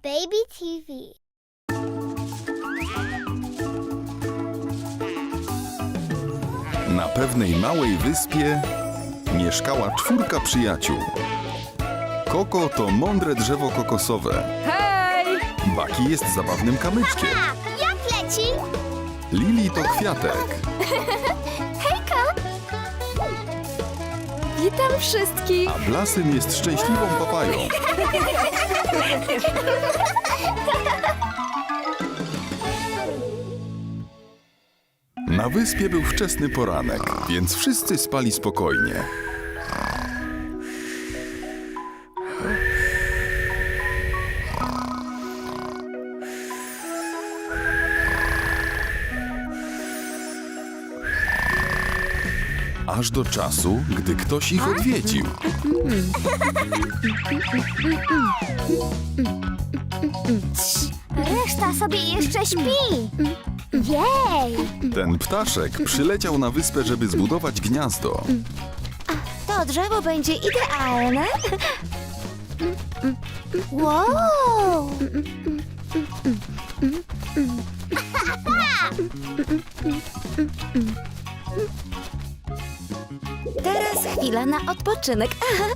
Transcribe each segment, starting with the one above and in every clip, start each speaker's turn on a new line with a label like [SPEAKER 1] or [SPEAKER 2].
[SPEAKER 1] Baby TV.
[SPEAKER 2] Na pewnej małej wyspie mieszkała 4 przyjaciół. Koko to mądre drzewo kokosowe.
[SPEAKER 3] Hej!
[SPEAKER 2] Baki jest zabawnym kamyczkiem.
[SPEAKER 1] Tak, jak leci?
[SPEAKER 2] Lili to kwiatek.
[SPEAKER 1] Hejka!
[SPEAKER 3] Witam wszystkich!
[SPEAKER 2] A Blasym jest szczęśliwą papają. Na wyspie był wczesny poranek, więc wszyscy spali spokojnie. Aż do czasu, gdy ktoś ich odwiedził.
[SPEAKER 1] Reszta sobie jeszcze śpi. Jej!
[SPEAKER 2] Ten ptaszek przyleciał na wyspę, żeby zbudować gniazdo.
[SPEAKER 1] To drzewo będzie idealne. Wow!
[SPEAKER 4] Teraz chwila na odpoczynek.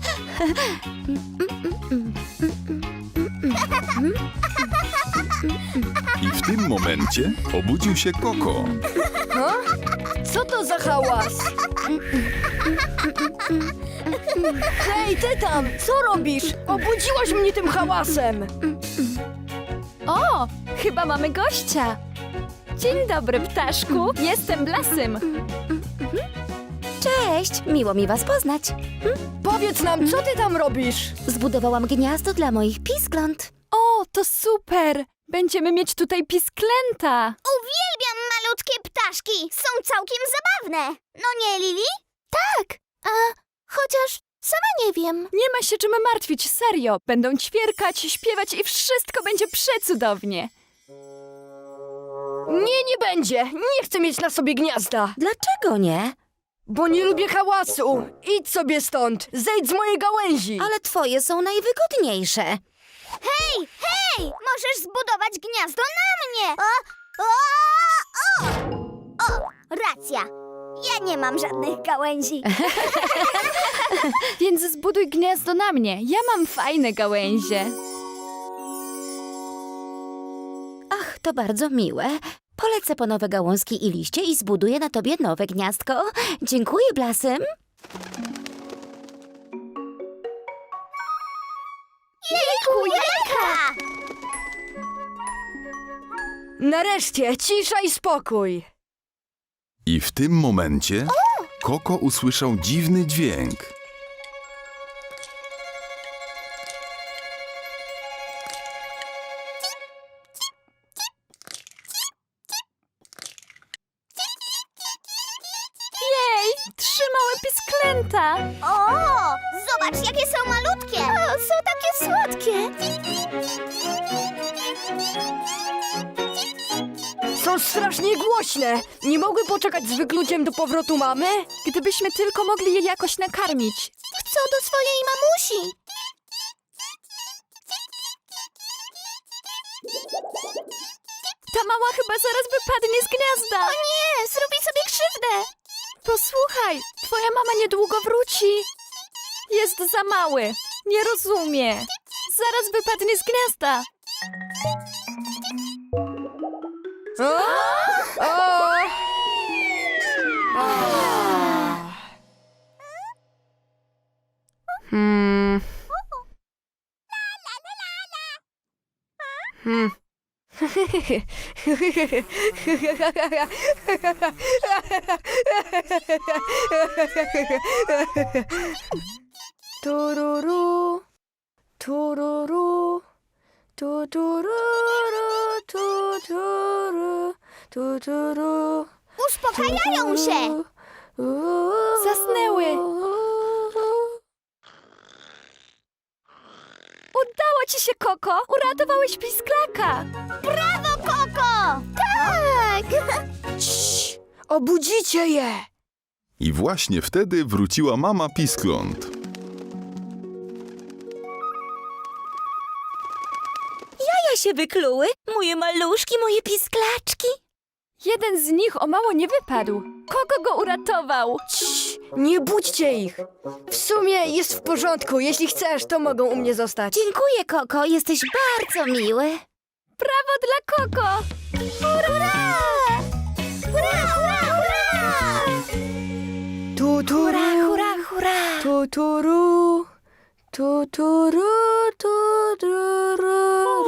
[SPEAKER 2] I w tym momencie obudził się Koko.
[SPEAKER 3] Co to za hałas? Hej, ty tam! Co robisz? Obudziłaś mnie tym hałasem!
[SPEAKER 5] O, chyba mamy gościa. Dzień dobry, ptaszku. Jestem Blasym.
[SPEAKER 4] Cześć, miło mi was poznać.
[SPEAKER 3] Powiedz nam, co ty tam robisz?
[SPEAKER 4] Zbudowałam gniazdo dla moich piskląt.
[SPEAKER 5] O, to super. Będziemy mieć tutaj pisklęta.
[SPEAKER 1] Uwielbiam malutkie ptaszki. Są całkiem zabawne. No nie, Lili? Tak. Chociaż sama nie wiem.
[SPEAKER 5] Nie ma się czym martwić, serio. Będą ćwierkać, śpiewać i wszystko będzie przecudownie.
[SPEAKER 3] Nie będzie! Nie chcę mieć na sobie gniazda!
[SPEAKER 4] Dlaczego nie?
[SPEAKER 3] Bo nie lubię hałasu! Idź sobie stąd! Zejdź z mojej gałęzi!
[SPEAKER 4] Ale twoje są najwygodniejsze.
[SPEAKER 1] Hej, hej! Możesz zbudować gniazdo na mnie! O, racja. Ja nie mam żadnych gałęzi.
[SPEAKER 5] Więc zbuduj gniazdo na mnie. Ja mam fajne gałęzie.
[SPEAKER 4] Ach, to bardzo miłe. Polecę po nowe gałązki i liście i zbuduję na tobie nowe gniazdko. Dziękuję, Blasym.
[SPEAKER 1] Jejku, jejka!
[SPEAKER 3] Nareszcie, cisza i spokój!
[SPEAKER 2] I w tym momencie Koko usłyszał dziwny dźwięk.
[SPEAKER 5] Jej, 3 małe pisklęta.
[SPEAKER 1] O, zobacz, jakie są malutkie. Są takie słodkie.
[SPEAKER 3] Są strasznie głośne! Nie mogły poczekać z wykluciem do powrotu mamy?
[SPEAKER 5] Gdybyśmy tylko mogli je jakoś nakarmić.
[SPEAKER 1] Chcą do swojej mamusi.
[SPEAKER 5] Ta mała chyba zaraz wypadnie z gniazda.
[SPEAKER 1] O nie, zrobi sobie krzywdę.
[SPEAKER 5] Posłuchaj, twoja mama niedługo wróci. Jest za mały. Nie rozumie. Zaraz wypadnie z gniazda.
[SPEAKER 3] Tururu, tururu, tutururu, tuturu, tuturu.
[SPEAKER 1] Uspokajają się.
[SPEAKER 5] Zasnęły. Udało ci się, Koko. Uratowałeś pisklaka.
[SPEAKER 1] Brawo, Koko! Tak!
[SPEAKER 3] Cii, obudzicie je!
[SPEAKER 2] I właśnie wtedy wróciła mama piskląt.
[SPEAKER 4] jaja się wykluły. Moje maluszki, moje pisklaczki.
[SPEAKER 5] Jeden z nich o mało nie wypadł. Koko go uratował.
[SPEAKER 3] Cii, nie budźcie ich. W sumie jest w porządku. Jeśli chcesz, to mogą u mnie zostać.
[SPEAKER 4] Dziękuję, Koko, jesteś bardzo miły.
[SPEAKER 5] Brawo dla Koko!
[SPEAKER 1] Hurra! Hurra, hurra, hurra!
[SPEAKER 3] Tuturu,
[SPEAKER 4] Hurra, hurra.
[SPEAKER 3] tuturu, tuturu, tuturu,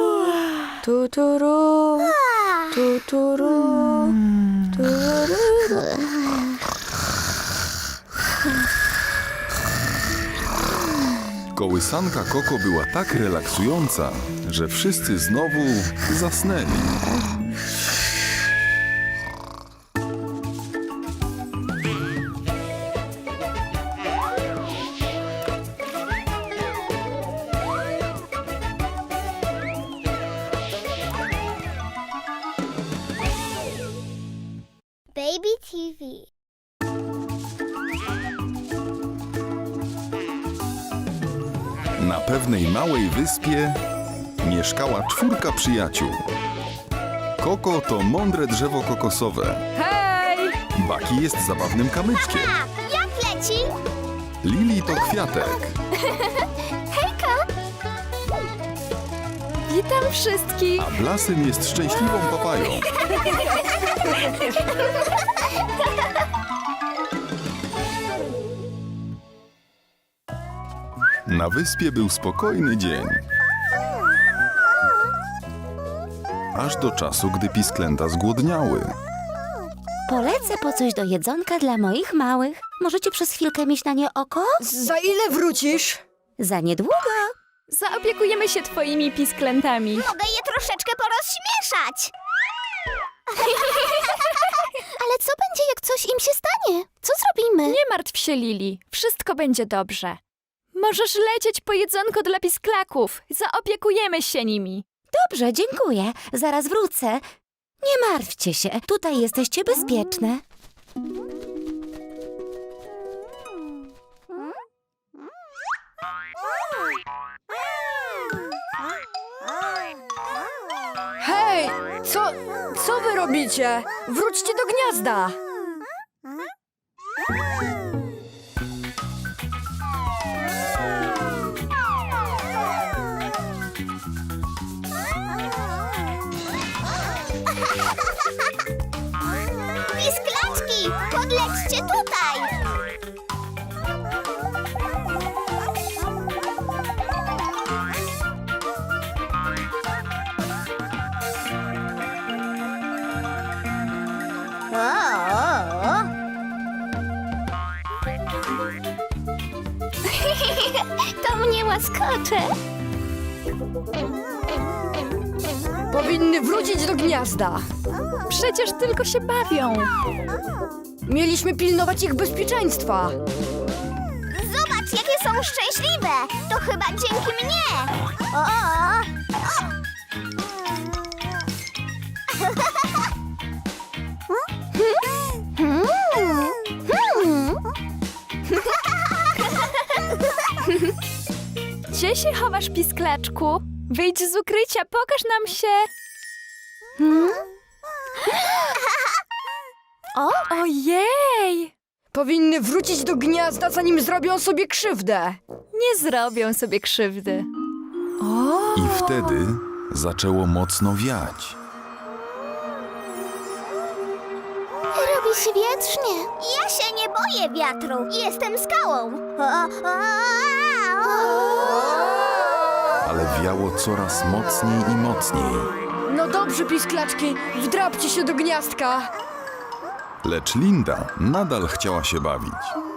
[SPEAKER 3] tuturu, tuturu, tuturu.
[SPEAKER 2] Kołysanka Koko była tak relaksująca, że wszyscy znowu zasnęli.
[SPEAKER 1] Baby TV.
[SPEAKER 2] Na pewnej małej wyspie mieszkała 4 przyjaciół. Koko to mądre drzewo kokosowe.
[SPEAKER 5] Hej!
[SPEAKER 2] Baki jest zabawnym kamyczkiem.
[SPEAKER 1] A, jak leci?
[SPEAKER 2] Lili to kwiatek.
[SPEAKER 5] Witam wszystkich!
[SPEAKER 2] A Blasym jest szczęśliwą papają. Na wyspie był spokojny dzień. Aż do czasu, gdy pisklęta zgłodniały.
[SPEAKER 4] Polecę po coś do jedzonka dla moich małych. Możecie przez chwilkę mieć na nie oko?
[SPEAKER 3] Za ile wrócisz?
[SPEAKER 4] Za niedługo.
[SPEAKER 5] Zaopiekujemy się twoimi pisklętami.
[SPEAKER 1] Mogę je troszeczkę porozśmieszać. Ale co będzie, jak coś im się stanie? Co zrobimy?
[SPEAKER 5] Nie martw się, Lili. Wszystko będzie dobrze. Możesz lecieć po jedzonko dla pisklaków. Zaopiekujemy się nimi.
[SPEAKER 4] Dobrze, dziękuję. Zaraz wrócę. Nie martwcie się, tutaj jesteście bezpieczne.
[SPEAKER 3] Hej, co wy robicie? Wróćcie do gniazda.
[SPEAKER 1] Pisklaczki, podlećcie tutaj. To mnie łaskocze.
[SPEAKER 3] Powinny wrócić do gniazda.
[SPEAKER 5] Przecież tylko się bawią.
[SPEAKER 3] Mieliśmy pilnować ich bezpieczeństwa.
[SPEAKER 1] Zobacz, jakie są szczęśliwe. To chyba dzięki mnie.
[SPEAKER 5] Gdzie się chowasz, pisklaczku? Wyjdź z ukrycia, pokaż nam się. Ojej!
[SPEAKER 3] Powinny wrócić do gniazda, zanim zrobią sobie krzywdę.
[SPEAKER 5] Nie zrobią sobie krzywdy.
[SPEAKER 2] I wtedy zaczęło mocno wiać.
[SPEAKER 1] Robi się wietrznie. Ja się nie boję wiatru. Jestem skałą.
[SPEAKER 2] Ale wiało coraz mocniej i mocniej.
[SPEAKER 3] No dobrze, pisklaczki, wdrapcie się do gniazdka.
[SPEAKER 2] Lecz Linda nadal chciała się bawić.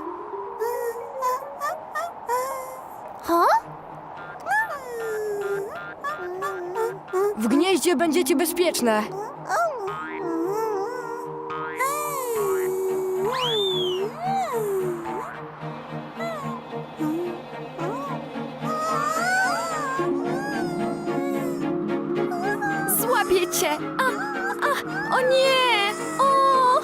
[SPEAKER 3] W gnieździe będziecie bezpieczne.
[SPEAKER 5] Złapię cię! O nie! O!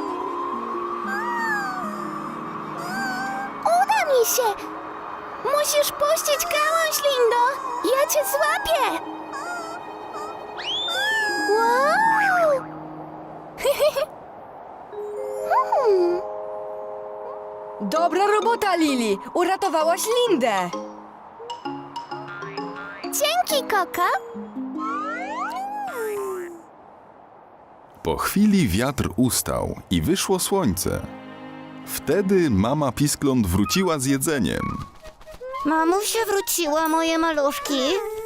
[SPEAKER 1] Uda mi się. Musisz Musisz puścić gałąź, Lindo! Ja cię złapię! Wow!
[SPEAKER 3] Dobra robota, Lili! Uratowałaś Lindę!
[SPEAKER 1] Dzięki, Koko!
[SPEAKER 2] Po chwili wiatr ustał i wyszło słońce. Wtedy mama Piskląt wróciła z jedzeniem.
[SPEAKER 4] Mamusia wróciła, moje maluszki.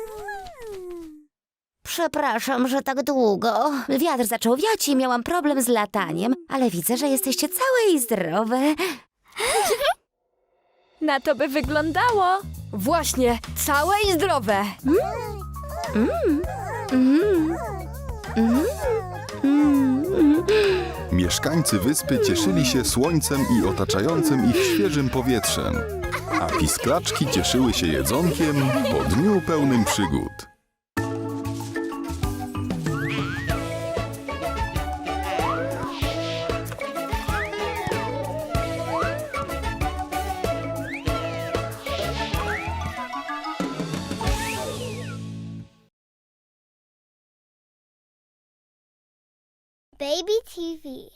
[SPEAKER 4] Przepraszam, że tak długo. Wiatr zaczął wiać i miałam problem z lataniem, ale widzę, że jesteście całe i zdrowe.
[SPEAKER 5] Na to by wyglądało.
[SPEAKER 3] Właśnie, całe i zdrowe!
[SPEAKER 2] Mieszkańcy wyspy cieszyli się słońcem i otaczającym ich świeżym powietrzem, a pisklaczki cieszyły się jedzonkiem po dniu pełnym przygód.
[SPEAKER 1] Baby TV.